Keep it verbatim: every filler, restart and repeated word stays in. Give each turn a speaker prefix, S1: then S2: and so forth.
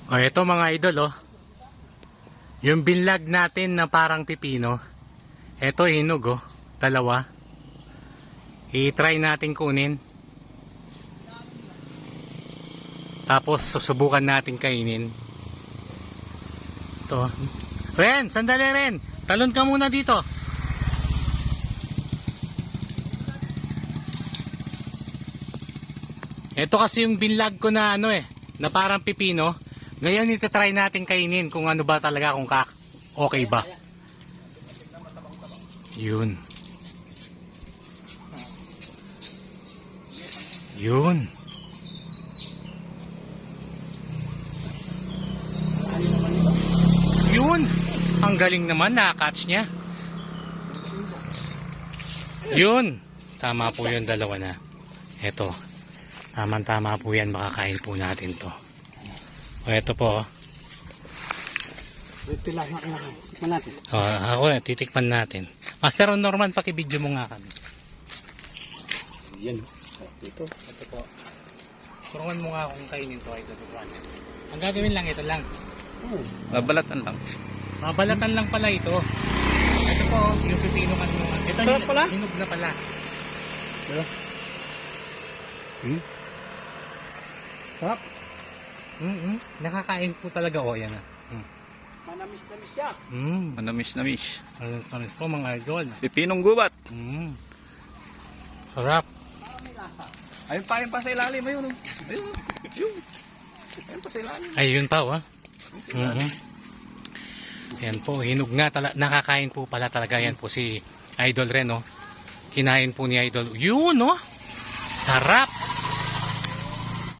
S1: O ito mga idol oh. Yung binlag natin na parang pipino. Ito hinog oh. Dalawa. I-try natin kunin. Tapos susubukan natin kainin. Ito. Ren, sandali Ren. Talon ka muna dito. Ito kasi yung binlag ko na ano eh, na parang pipino. Ngayon ito-try natin kainin kung ano ba talaga, kung kak okay ba. Yun. Yun. Yun. Ang galing naman, na-catch niya. Yun. Tama po yun, dalawa na. Ito. Tama-tama po yan, makakain po natin to. O ito po.
S2: Titikman natin.
S1: O, ako na, titikman natin. Master Norman, pakibidyo mo nga kami.
S2: Yan. Ito.
S1: Ito po. Turuan mo nga kung kainin to. Ito, ito. Ang gagawin lang, ito lang.
S2: Oh.
S3: Babalatan lang.
S1: Mabalatan lang pala ito. Ito po, yung pipino kan mo. Ito,
S2: Sarap pala?
S1: hinog na pala.
S2: Pero, hmm? Sarap.
S1: Mm-hmm. Nakakain po talaga. O, yan na. Mm.
S2: Manamis-namis siya.
S1: Mm.
S3: Manamis-namis.
S1: Ano tamis po mga idol.
S3: Pipinong gubat.
S1: Mm. Sarap.
S3: Ayun pa, ayun pa sa ilalim. Ayun. Ayun. Ayun. Ayun pa sa ilalim.
S1: Ayun pa, oh. Mm-hmm. Yan po, hinog nga talaga. Nakakain po pala talaga yan po si Idol Ren, oh. Kinain po ni Idol. Yun, oh. Sarap.